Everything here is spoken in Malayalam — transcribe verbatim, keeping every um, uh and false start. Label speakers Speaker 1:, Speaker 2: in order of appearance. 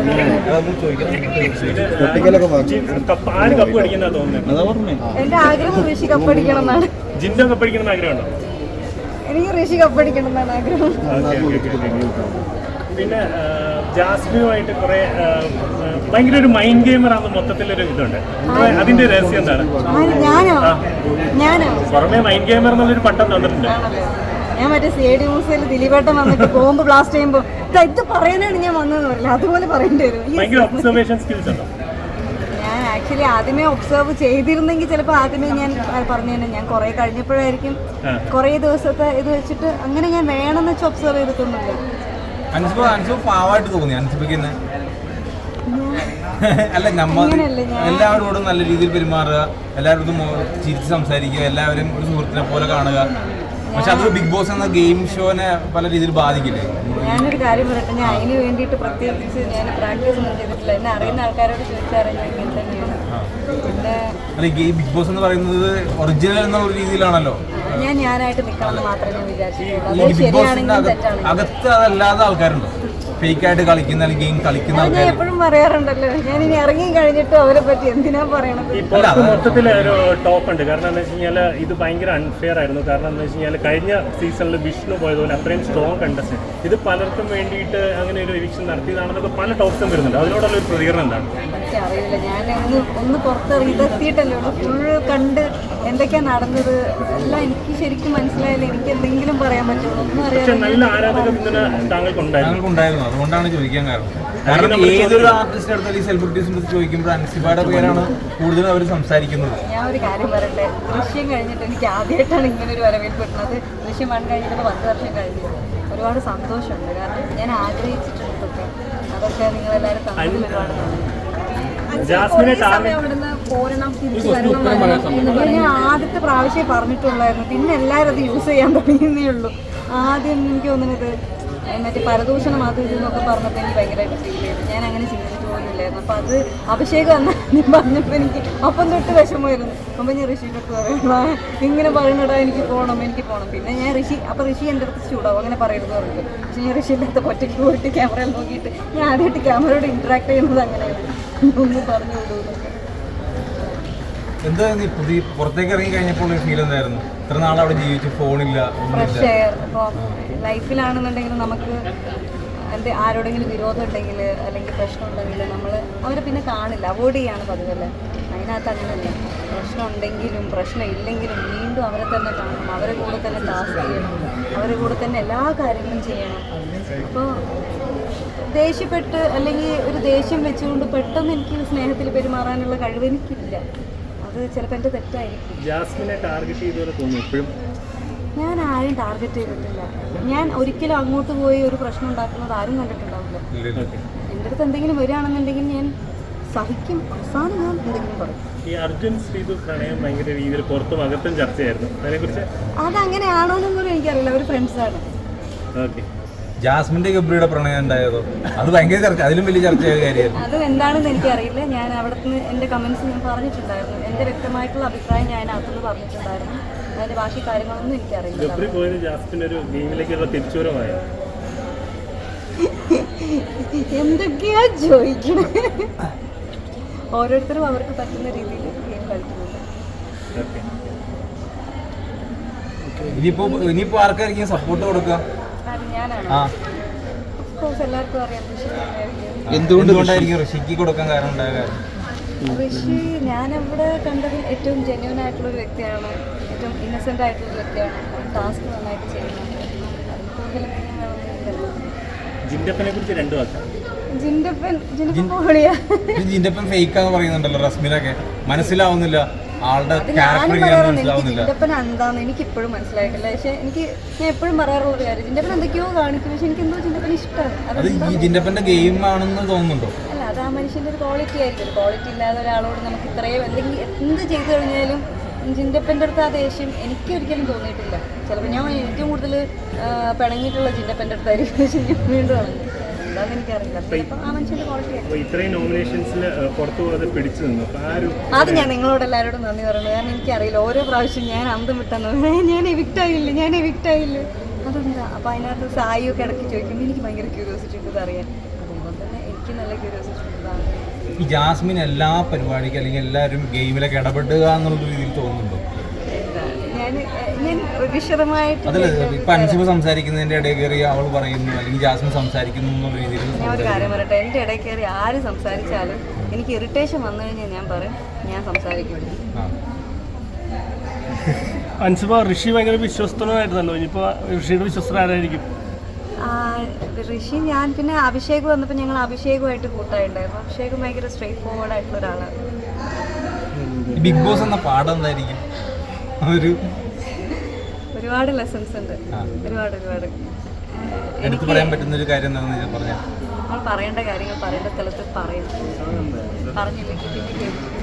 Speaker 1: ആര് കപ്പ് അടിക്കുന്ന തോന്നുന്നത്?
Speaker 2: എന്റെ ആഗ്രഹം ഋഷി കപ്പടിക്കണം എന്നാണ്.
Speaker 1: ജിൻഡോ കപ്പടിക്കണം ആഗ്രഹമുണ്ടോ?
Speaker 2: എനിക്ക് ഋഷി കപ്പടിക്കണം എന്നാണ് ആഗ്രഹം.
Speaker 1: പിന്നെ ജാസ്മിനുമായിട്ട് കുറെ ഭയങ്കര ഒരു മൈൻഡ് ഗെയിമർ ആണെന്ന് മൊത്തത്തിലൊരു ഇതുണ്ട്. അതിന്റെ രഹസ്യം എന്താണ്?
Speaker 2: ഞാനോ ഞാനോ
Speaker 1: പുറമെ മൈൻഡ് ഗെയിമർ എന്നുള്ളൊരു പട്ടം തന്നിട്ടുണ്ട്.
Speaker 2: ഞാൻ മറ്റേ സി ഐ ഡി മ്യൂസിയത്തിൽ ദിലീപേട്ടൻ വന്നിട്ട് ബോംബ് ബ്ലാസ്റ്റ് ചെയ്യുമ്പോൾ ഇത് പറയാനാണ് ഞാൻ വന്നതെന്ന് പറയില്ല, അതുപോലെ പറയേണ്ടി വരും.
Speaker 1: ഭയങ്കര ഒബ്സർവേഷൻ സ്കിൽസ് ഉണ്ടോ?
Speaker 2: ഞാൻ ആക്ച്വലി ആദ്യമേ ഒബ്സർവ് ചെയ്തിരുന്നെങ്കിൽ ചിലപ്പോൾ ആദ്യമേ ഞാൻ പറഞ്ഞു തന്നെ, ഞാൻ കുറെ കഴിഞ്ഞപ്പോഴായിരിക്കും കുറെ ദിവസത്തെ ഇത് വെച്ചിട്ട് അങ്ങനെ ഞാൻ വേണമെന്ന് വെച്ച് ഒബ്സർവ് ചെയ്തിട്ടൊന്നുമില്ല.
Speaker 3: പാവായിട്ട് തോന്നി അനുസരിപ്പിക്കുന്ന അല്ല, നമ്മ എല്ലാവരോടും നല്ല രീതിയിൽ പെരുമാറുക, എല്ലാവരോടും ചിരിച്ച് സംസാരിക്കുക, എല്ലാവരും ഒരു സുഹൃത്തിനെ പോലെ കാണുക. പക്ഷെ അത് ബിഗ് ബോസ് എന്ന ഗെയിം ഷോനെ പല രീതിയിൽ ബാധിക്കില്ലേ?
Speaker 2: ഞാനൊരു കാര്യം പറയട്ടെ, ഞാൻ അതിന് വേണ്ടിയിട്ട് പ്രത്യേകിച്ച് ഞാൻ പ്രാക്ടീസ് ഒന്നും ചെയ്തിട്ടില്ല. എന്നെ അറിയുന്ന ആൾക്കാരോട് ചോദിച്ചറിയാൻ ഞാൻ തന്നെയാണ്. പിന്നെ
Speaker 3: അല്ല, ഈ ബിഗ് ബോസ് എന്ന് പറയുന്നത് ഒറിജിനൽ എന്നുള്ള രീതിയിലാണല്ലോ.
Speaker 2: ഞാൻ ഞാനായിട്ട് നിൽക്കണമെന്ന് മാത്രമേ ഞാൻ വിചാരിച്ചിട്ടുള്ളൂ. ശരിയാണെങ്കിലും തെറ്റാണെങ്കിലും.
Speaker 3: അകത്ത് അതല്ലാതെ ആൾക്കാരുണ്ടോ ഫേക്ക് ആയിട്ട് കളിക്കുന്ന അല്ലെങ്കിൽ ഗെയിം കളിക്കുന്ന ആൾക്കാർ?
Speaker 2: ഞാൻ എപ്പോഴും പറയാറുണ്ടല്ലോ, ഞാൻ ഇനി ഇറങ്ങി കഴിഞ്ഞിട്ട് അവരെ പറ്റി എന്തിനാ പറയണത്.
Speaker 1: മൊത്തത്തിൽ ഒരു ടോപ്പ് ഉണ്ട്. കാരണം എന്താ വെച്ച് കഴിഞ്ഞാൽ ഇത് ഭയങ്കര അൺഫെയർ ആയിരുന്നു. കാരണം എന്താ വെച്ച് കഴിഞ്ഞാൽ കഴിഞ്ഞ സീസണിൽ വിഷ്ണു പോയതുപോലെ അത്രയും സ്ട്രോങ് കണ്ടസ്റ്റന്റ് ഇത് പലർക്കും വേണ്ടിയിട്ട് അങ്ങനെ ഒരു എവിക്ഷൻ നടത്തിയതാണെന്നൊക്കെ പല ടോപ്സും വരുന്നുണ്ട്. അതിനോടുള്ള ഒരു പ്രതികരണം എന്താണ്?
Speaker 2: എനിക്കറിയില്ല, ഞാൻ ഒന്ന് ഒന്ന് പുറത്തിറങ്ങി ഇതെത്തിയിട്ടല്ലേ ഉള്ളൂ. ഫുള്ള് കണ്ട് എന്തൊക്കെയാ നടന്നത് എല്ലാം എനിക്ക് ശരിക്കും മനസ്സിലായില്ല. എനിക്ക് എന്തെങ്കിലും പറയാൻ പറ്റുള്ളൂ, ഒന്നും അറിയാം.
Speaker 1: നല്ല ആരാധക പിന്തുണ താങ്കൾക്കുണ്ടായിരുന്നു.
Speaker 3: അതുകൊണ്ടാണ് ചോദിക്കാൻ കാരണം. കാരണം ഏതൊരു ആർട്ടിസ്റ്റ് അടുത്ത സെലിബ്രിറ്റീസിന്റെ ചോദിക്കുമ്പോൾ അൻസിബയുടെ പേരാണ് കൂടുതലും അവർ സംസാരിക്കുന്നത്.
Speaker 2: ഞാൻ ഒരു കാര്യം പറയട്ടെ, ദൃശ്യം കഴിഞ്ഞിട്ട് എനിക്ക് ആദ്യമായിട്ടാണ് ഇങ്ങനെ ഒരു വരവേൽപ്പ് കിട്ടുന്നത്. ദൃശ്യം വൺ കഴിഞ്ഞിട്ട് പത്ത് വർഷം കഴിഞ്ഞു. ഒരുപാട് സന്തോഷമുണ്ട്. കാരണം ഞാൻ ആഗ്രഹിച്ചിട്ടുണ്ടൊക്കെ അതൊക്കെ നിങ്ങളെല്ലാവരും തമ്മിൽ കാണുന്നുണ്ട്. ഞാൻ ആദ്യത്തെ പ്രാവശ്യം പറഞ്ഞിട്ടുള്ളായിരുന്നു, പിന്നെ എല്ലാവരും അത് യൂസ് ചെയ്യാൻ തുടങ്ങിയേ ഉള്ളൂ. ആദ്യം എനിക്ക് തോന്നുന്നത് മറ്റേ പരദൂഷണം അത് ഇതെന്നൊക്കെ പറഞ്ഞപ്പോൾ എനിക്ക് ഭയങ്കരമായിട്ട് ഫീൽ ചെയ്തു. ഞാൻ അങ്ങനെ ചിന്തിച്ചിട്ട് പോലുമില്ലായിരുന്നു. അപ്പം അത് അഭിഷേകം എന്നാ പറഞ്ഞപ്പോൾ എനിക്ക് അപ്പം തൊട്ട് വിഷമമായിരുന്നു. അപ്പം ഞാൻ ഋഷിയിലൊക്കെ പറയണം, ഇങ്ങനെ പറയണടാ എനിക്ക് പോകണം എനിക്ക് പോകണം. പിന്നെ ഞാൻ ഋഷി അപ്പോൾ ഋഷി എൻ്റെ അടുത്ത് ചൂടാവും, അങ്ങനെ പറയരുത് പറഞ്ഞിട്ട്. പക്ഷേ ഞാൻ ഋഷിൻ്റെ അടുത്ത് ഒറ്റയ്ക്ക് പോയിട്ട് ക്യാമറയിൽ നോക്കിയിട്ട് ഞാൻ ആദ്യമായിട്ട് ക്യാമറയോട് ഇൻട്രാക്ട് ചെയ്യുന്നത് അങ്ങനെയാണ്. ഒന്ന് പറഞ്ഞു വിടുമെന്നൊക്കെ.
Speaker 3: എന്താ നീ പുതിയ പുറത്തേക്ക് ഇറങ്ങി കഴിഞ്ഞപ്പോൾ ഫീൽ എന്തായിരുന്നു? ഇത്ര നാൾ അവിടെ ജീവിച്ചു, ഫോണില്ല,
Speaker 2: ഫ്രഷ് എയർ. ഇപ്പോൾ ലൈഫിലാണെന്നുണ്ടെങ്കിൽ നമുക്ക് എൻ്റെ ആരോടെങ്കിലും വിരോധം ഉണ്ടെങ്കിൽ അല്ലെങ്കിൽ പ്രശ്നം ഉണ്ടെങ്കിൽ നമ്മൾ അവരെ പിന്നെ കാണില്ല, അവോയ്ഡ് ചെയ്യാണ് പതിവല്ലേ. അതിനകത്ത് അങ്ങനെയല്ല, പ്രശ്നം ഉണ്ടെങ്കിലും പ്രശ്നം ഇല്ലെങ്കിലും വീണ്ടും അവരെ തന്നെ കാണണം, അവരെ കൂടെ തന്നെ ടാസ്ക് ചെയ്യണം, അവരെ കൂടെ തന്നെ എല്ലാ കാര്യങ്ങളും ചെയ്യണം. അപ്പോൾ ദേഷ്യപ്പെട്ട് അല്ലെങ്കിൽ ഒരു ദേഷ്യം വെച്ചുകൊണ്ട് പെട്ടെന്ന് എനിക്ക് സ്നേഹത്തിൽ പെരുമാറാനുള്ള കഴിവ് എനിക്കില്ല. അത് ചിലപ്പോൾ എൻ്റെ തെറ്റായിരിക്കും.
Speaker 1: ജാസ്മിനെ ടാർഗറ്റ് ചെയ്തപോലെ തോന്നുന്നു എപ്പോഴും.
Speaker 2: ഞാൻ ആരും ടാർഗറ്റ് ചെയ്തിട്ടില്ല. ഞാൻ ഒരിക്കലും അങ്ങോട്ട് പോയി ഒരു പ്രശ്നം ഉണ്ടാക്കുന്നത് ആരും കണ്ടിട്ടുണ്ടാവില്ല. എൻ്റെ അടുത്ത് എന്തെങ്കിലും വരികയാണെന്നുണ്ടെങ്കിൽ ഞാൻ സഹിക്കും, അവസാനം ഞാൻ എന്തെങ്കിലും പറയും.
Speaker 1: ഈ അർജുൻ ശ്രീതു പ്രണയം ഭയങ്കര രീതിയിൽ പുറത്തും അകത്തും ചർച്ചയായിരുന്നു. അതിനെക്കുറിച്ച്
Speaker 2: അതങ്ങനെയാണോന്നും കൂടി എനിക്കറിയില്ല. അവർ ഫ്രണ്ട്സാണ്.
Speaker 1: ഓക്കെ.
Speaker 3: ജാസ്മിന്റെ ഗബ്രിയുടെ പ്രണയം ഉണ്ടായതോ? അത് ഭയങ്കര ചർച്ച, അതിലും വലിയ ചർച്ചയായ കാര്യമായിരുന്നു.
Speaker 2: അത് എന്താണെന്ന് എനിക്കറിയില്ല. ഞാൻ അവിടെ നിന്ന് എൻ്റെ കമൻസ് ഞാൻ പറഞ്ഞിട്ടുണ്ടായിരുന്നു. എൻ്റെ വ്യക്തമായിട്ടുള്ള അഭിപ്രായം ഞാൻ അകത്തുനിന്ന് പറഞ്ഞിട്ടുണ്ടായിരുന്നു. അതിൻ്റെ ബാക്കി കാര്യങ്ങളൊന്നും എനിക്കറിയില്ല.
Speaker 1: ഗബ്രി പോയത് ജാസ്മിൻ ഒരു ഗെയിമിലേക്കുള്ള തിരിച്ചുവരവായ
Speaker 2: എന്തൊക്കെയാ ചോദിക്കണേ? ഓരോരുത്തരും അവർക്ക് പറ്റുന്ന രീതിയിൽ ഗെയിം കളിക്കുന്നുണ്ട്.
Speaker 3: ഇനിയിപ്പോ ഇനിയിപ്പോ ആർക്കായിരിക്കും സപ്പോർട്ട് കൊടുക്കുക?
Speaker 2: എല്ലാവർക്കും അറിയാം
Speaker 3: എന്തുകൊണ്ടായിരിക്കും ഋഷിക്ക് കൊടുക്കാൻ കാരണം ഉണ്ടായ കാര്യം?
Speaker 2: ഋഷി ഞാനവിടെ കണ്ടതിൽ ഏറ്റവും ജെന്യൂൻ ആയിട്ടുള്ള ഒരു വ്യക്തിയാണ്, ഏറ്റവും ഇന്നസെന്റ് ആയിട്ടുള്ള ഒരു വ്യക്തിയാണ്. ടാസ്ക് നന്നായിട്ട് ചെയ്യുന്നത്.
Speaker 1: ജിൻഡപ്പനെ കുറിച്ച് രണ്ടു വാക്ക്.
Speaker 2: ജിൻഡപ്പൻ ജിൻഡപ്പൻ
Speaker 3: ജിൻഡപ്പൻ ഫേക്കാന്ന് പറയുന്നുണ്ടല്ലോ റസ്മിനൊക്കെ. മനസ്സിലാവുന്നില്ല ആളുടെ
Speaker 2: ജിൻഡപ്പൻ എന്താന്ന് എനിക്ക് ഇപ്പോഴും മനസ്സിലായിട്ടില്ല. പക്ഷെ എനിക്ക് ഞാൻ എപ്പോഴും പറയാറുള്ള ഒരു കാര്യം, ജിൻഡപ്പൻ എന്തൊക്കെയോ കാണിക്കും, പക്ഷെ എനിക്ക് എന്തോ ജിൻഡപ്പൻ ഇഷ്ടമാണ്.
Speaker 3: ജിൻഡപ്പന്റെ ഗെയിം ആണെന്ന് തോന്നുന്നുണ്ടോ?
Speaker 2: അല്ല, അത് ആ മനുഷ്യന്റെ ഒരു ക്വാളിറ്റി ആയിരിക്കും. ക്വാളിറ്റി ഇല്ലാതെ ഒരാളോട് നമുക്ക് ഇത്രയും എന്തെങ്കിലും എന്ത് ചെയ്തു കഴിഞ്ഞാലും ജിൻഡപ്പൻ്റെ അടുത്ത് ആ ദേഷ്യം എനിക്ക് ഒരിക്കലും തോന്നിയിട്ടില്ല. ചിലപ്പോൾ ഞാൻ ഏറ്റവും കൂടുതൽ പിണങ്ങിയിട്ടുള്ള ജിൻഡപ്പൻ്റെ അടുത്തായിരിക്കും. പക്ഷെ ഞാൻ വീണ്ടും ആണ് എന്താണെന്ന് എനിക്കറിയില്ല. ആ മനുഷ്യന്റെ ക്വാളിറ്റി അത് ഞാൻ നിങ്ങളോട് എല്ലാവരോടും നന്ദി പറയുന്നത്. കാരണം എനിക്കറിയില്ല, ഓരോ പ്രാവശ്യം ഞാൻ അന്തം വിട്ടെന്ന് ഞാൻ എവിക്റ്റ് ആയില്ല ഞാൻ എവിക്റ്റ് ആയില്ല അതെന്താ. അപ്പോൾ അതിനകത്ത് സായിയൊക്കെ ഇടയ്ക്ക് ചോദിക്കുമ്പോൾ എനിക്ക് ഭയങ്കര ക്യൂരിയോസിറ്റി ഉണ്ട് അറിയാൻ. അതുകൊണ്ട് തന്നെ എനിക്ക് നല്ല ക്യൂരിയോസിറ്റി
Speaker 3: ഈ ജാസ്മിൻ എല്ലാ പരിപാടിക്കും അല്ലെങ്കിൽ എല്ലാവരും ഗെയിമിലൊക്കെ ഇടപെടുക എന്നുള്ള രീതിയിൽ തോന്നുന്നുണ്ടോ?
Speaker 2: ഞാൻ ഞാൻ വിശദമായിട്ട്
Speaker 3: അതല്ല, ഇപ്പൊ അൻസിബ സംസാരിക്കുന്നതിന്റെ ഇടയിൽ കയറി അവൾ പറയുന്നു അല്ലെങ്കിൽ ജാസ്മിൻ സംസാരിക്കുന്നു എന്നുള്ള രീതിയിൽ
Speaker 2: ഞാൻ ഒരു കാര്യം പറയട്ടെ, എൻ്റെ ഇടയിൽ കയറി ആര് സംസാരിച്ചാലും എനിക്ക് ഇറിറ്റേഷൻ വന്നു കഴിഞ്ഞാൽ ഞാൻ പറയും ഞാൻ സംസാരിക്കും.
Speaker 4: അൻസിബ ഋഷി ഭയങ്കര വിശ്വസ്തനായിരുന്നല്ലോ, ഇനിയിപ്പോൾ ഋഷിയുടെ വിശ്വസ്തർ ആരായിരിക്കും?
Speaker 2: ഋഷി ഞാൻ പിന്നെ അഭിഷേക് വന്നപ്പോൾ ഞങ്ങൾ അഭിഷേകുമായിട്ട് കൂട്ടായിട്ടുണ്ടായിരുന്നു. അഭിഷേക് ഭയങ്കര സ്ട്രെയിറ്റ് ഫോർവേഡ് ആയിട്ടുള്ള ഒരാളാണ്.
Speaker 3: ബിഗ് ബോസ് എന്ന പാഠം എന്തായിരിക്കും? ഒരു
Speaker 2: ഒരുപാട് ലെസൺസ് ഉണ്ട്, ഒരുപാട് ഒരുപാട്
Speaker 3: എടുത്തു പറയാൻ പറ്റുന്ന ഒരു കാര്യം എന്താണെന്ന് പറഞ്ഞാൽ
Speaker 2: നമ്മൾ പറയേണ്ട കാര്യങ്ങൾ പറയേണ്ട സ്ഥലത്ത് പറയും, പറഞ്ഞില്ലെങ്കിൽ പിന്നെ കേൾക്കും.